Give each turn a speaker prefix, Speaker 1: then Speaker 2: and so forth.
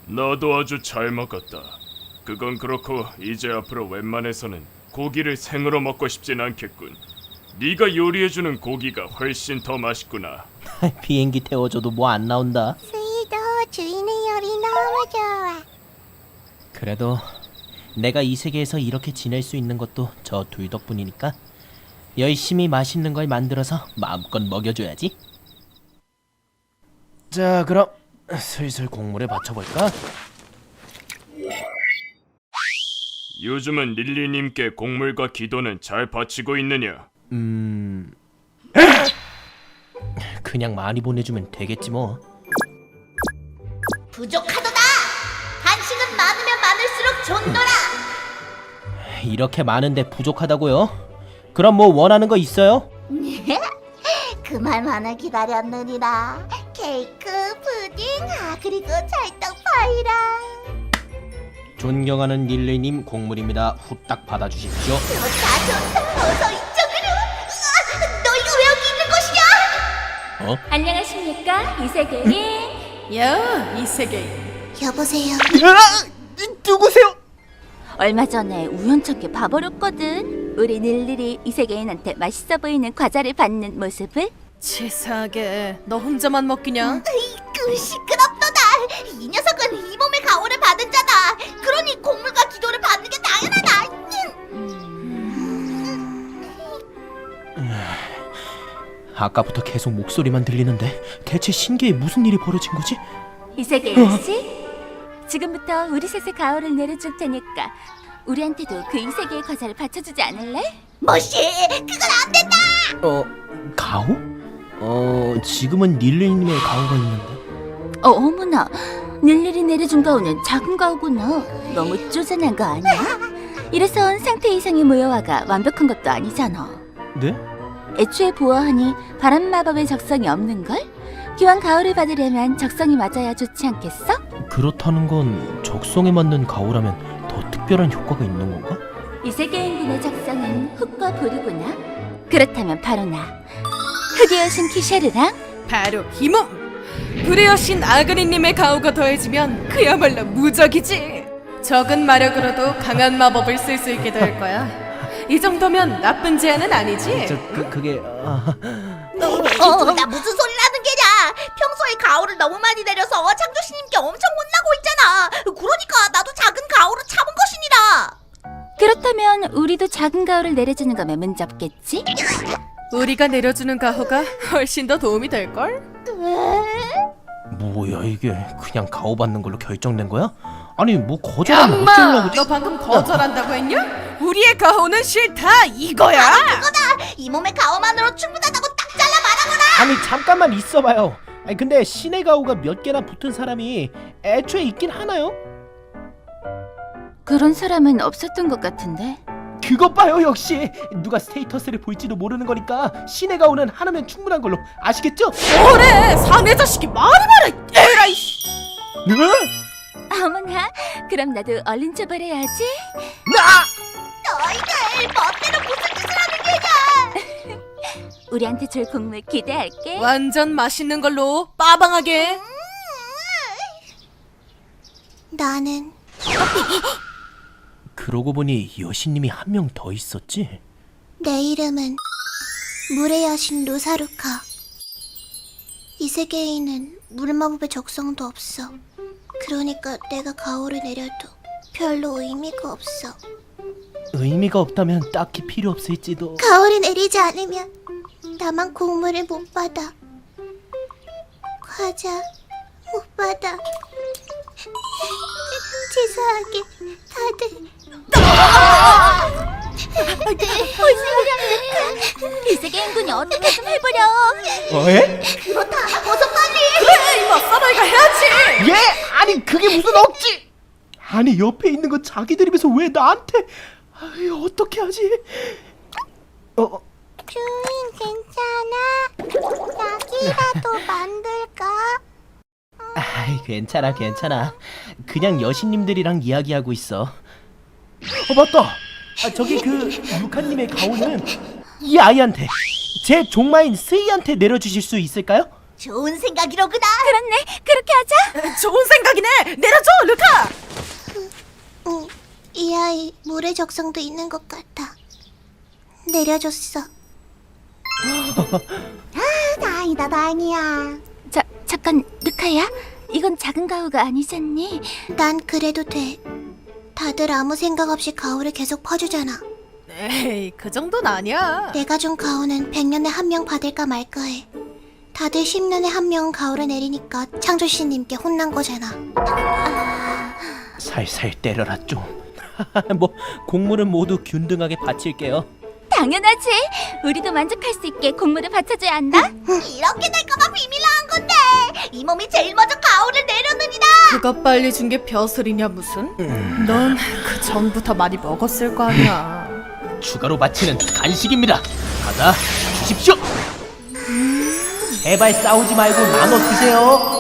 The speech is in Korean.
Speaker 1: 너도 아주 잘 먹었다. 그건 그렇고 이제 앞으로 웬만해서는 고기를 생으로 먹고 싶진 않겠군. 네가 요리해주는 고기가 훨씬 더 맛있구나.
Speaker 2: 비행기 태워줘도 뭐 안 나온다.
Speaker 3: 스이도 주인의 요리 너무 좋아.
Speaker 2: 그래도 내가 이 세계에서 이렇게 지낼 수 있는 것도 저 둘 덕분이니까 열심히 맛있는 걸 만들어서 마음껏 먹여줘야지. 자, 그럼 슬슬 곡물에 받쳐볼까?
Speaker 1: 요즘은 릴리님께 곡물과 기도는 잘 바치고 있느냐?
Speaker 2: 그냥 많이 보내주면 되겠지 뭐.
Speaker 3: 부족하도다. 간식은 많으면 많을수록 좋노라.
Speaker 2: 이렇게 많은데 부족하다고요? 그럼 뭐 원하는 거 있어요?
Speaker 3: 그 말만을 기다렸느니라. 케이크, 푸딩, 그리고 찰떡 파이랑.
Speaker 2: 존경하는 릴리님, 곡물입니다. 후딱 받아주십시오.
Speaker 3: 좋다. 어서 이쪽으로. 너희가 왜 여기 있는 것이냐?
Speaker 4: 안녕하십니까 이세계인.
Speaker 5: 야, 이 세계.
Speaker 3: 여보세요.
Speaker 2: 누구세요?
Speaker 4: 얼마 전에 우연찮게 봐버렸거든. 우리 닐릴이 이세계인한테 맛있어 보이는 과자를 받는 모습을.
Speaker 5: 치사하게 너 혼자만 먹기냐?
Speaker 3: 그 시끄럽도다. 이 녀석은 이 몸의 가호를 받은 자다. 그러니 곡물과 기도를 받는 게 당연하다.
Speaker 2: 아까부터 계속 목소리만 들리는데 대체 신기에 무슨 일이 벌어진 거지?
Speaker 4: 이세계인 씨, 지금부터 우리 셋의 가오를 내려줄 테니까 우리한테도 그 이세계의 과자를 받쳐주지 않을래?
Speaker 3: 뭐시? 그건 안 된다.
Speaker 2: 가오? 지금은 릴리님의 가오가 있는데.
Speaker 4: 어머나, 닐릴이 내려준 가오는 작은 가오구나. 너무 쪼잔한 거 아니야? 이래선 상태 이상의 모여와가 완벽한 것도 아니잖아.
Speaker 2: 네?
Speaker 4: 애초에 보아하니 바람 마법의 적성이 없는걸? 기왕 가오를 받으려면 적성이 맞아야 좋지 않겠어?
Speaker 2: 그렇다는 건 적성에 맞는 가오라면 더 특별한 효과가 있는 건가?
Speaker 4: 이 세계인군의 적성은 흙과 불이구나. 그렇다면 바로 나 흙의 여신 키셰르랑
Speaker 5: 바로 이 몸! 불의 여신 아그리님의 가오가 더해지면 그야말로 무적이지. 적은 마력으로도 강한 마법을 쓸 수 있게 될 거야. 이 정도면 나쁜 제안은 아니지?
Speaker 2: 그게
Speaker 3: 나 무슨 소리라는 게냐? 평소에 가오를 너무 많이 내려서 창조신님께 엄청 혼나고 있잖아. 그러니까 나도 작은 가오로 참은 것이니라.
Speaker 4: 그렇다면 우리도 작은 가오를 내려주는 거면 문제 없겠지?
Speaker 5: 우리가 내려주는 가오가 훨씬 더 도움이 될걸?
Speaker 2: 뭐야 이게 그냥 가오 받는 걸로 결정된 거야? 아니 뭐 거절하면
Speaker 5: 엄마!
Speaker 2: 어쩌려고?
Speaker 5: 너 방금 거절한다고 했냐? 우리의 가오는 싫다 이거야!
Speaker 3: 이 몸의 가오만으로 충분하다고 딱 잘라 말하거라.
Speaker 2: 아니 잠깐만 있어봐요. 아니 근데 신의 가오가 몇 개나 붙은 사람이 애초에 있긴 하나요?
Speaker 4: 그런 사람은 없었던 것 같은데.
Speaker 2: 그것 봐요 역시 누가 스테이터스를 볼지도 모르는 거니까 신의 가오는 하나면 충분한 걸로 아시겠죠?
Speaker 5: 뭐래! 사내 자식이 말이 많아! 에라이!
Speaker 4: 어머나, 그럼 나도 얼른 처벌해야지.
Speaker 3: 너희들 멋대로 무슨 짓을 하는 게냐?
Speaker 4: 우리한테 줄 곡물 기대할게.
Speaker 5: 완전 맛있는 걸로 빠방하게.
Speaker 3: 나는
Speaker 2: 그러고 보니 여신님이 한 명 더 있었지?
Speaker 3: 내 이름은 물의 여신 루사루카. 이 세계에는 물마법의 적성도 없어. 그러니까 내가 가오를 내려도 별로 의미가 없어.
Speaker 2: 의미가 없다면 딱히 필요 없을지도.
Speaker 3: 가오를 내리지 않으면 나만 곡물을 못 받아. 과자 못 받아. 치사하게 다들
Speaker 4: 이 세계인군이 어떻게 좀 해보려.
Speaker 2: 에?
Speaker 3: 그렇다. 어서 빨리.
Speaker 5: 그래 이모 써너이가 해야지.
Speaker 2: 예? 아니 그게 무슨 억지? 아니 옆에 있는 건 자기들이면서 왜 나한테? 아이, 어떻게 하지?
Speaker 3: 주인 괜찮아? 약이라도 만들까?
Speaker 2: 아이 괜찮아 괜찮아. 그냥 여신님들이랑 이야기하고 있어. 맞다. 저기 그 루카님의 가오는 이 아이한테 제 종마인 스이한테 내려주실 수 있을까요?
Speaker 3: 좋은 생각이로구나.
Speaker 4: 그렇네. 그렇게 하자.
Speaker 5: 좋은 생각이네. 내려줘, 루카.
Speaker 3: 이 아이 물의 적성도 있는 것 같아. 내려줬어. 다행이다, 다행이야.
Speaker 4: 잠깐, 르카야. 이건 작은 가오가 아니잖니?
Speaker 3: 난 그래도 돼. 다들 아무 생각 없이 가오를 계속 퍼주잖아.
Speaker 5: 에이, 그 정도는 아니야.
Speaker 3: 내가 준 가오는 100년에 한 명 받을까 말까 해. 다들 10년에 한 명은 가오를 내리니까 창조씨님께 혼난 거잖아.
Speaker 2: 살살 때려라 좀. 뭐 곡물은 모두 균등하게 바칠게요.
Speaker 4: 당연하지. 우리도 만족할 수 있게 곡물을 받쳐줘야 한다.
Speaker 3: 이렇게 될까봐 비밀로 한 건데 이 몸이 제일 먼저 가오를 내려느니라.
Speaker 5: 그거 빨리 준 게 벼슬이냐 무슨? 넌 그 전부터 많이 먹었을 거 아니야.
Speaker 2: 추가로 바치는 간식입니다. 받아 주십시오. 제발 싸우지 말고 나눠 드세요.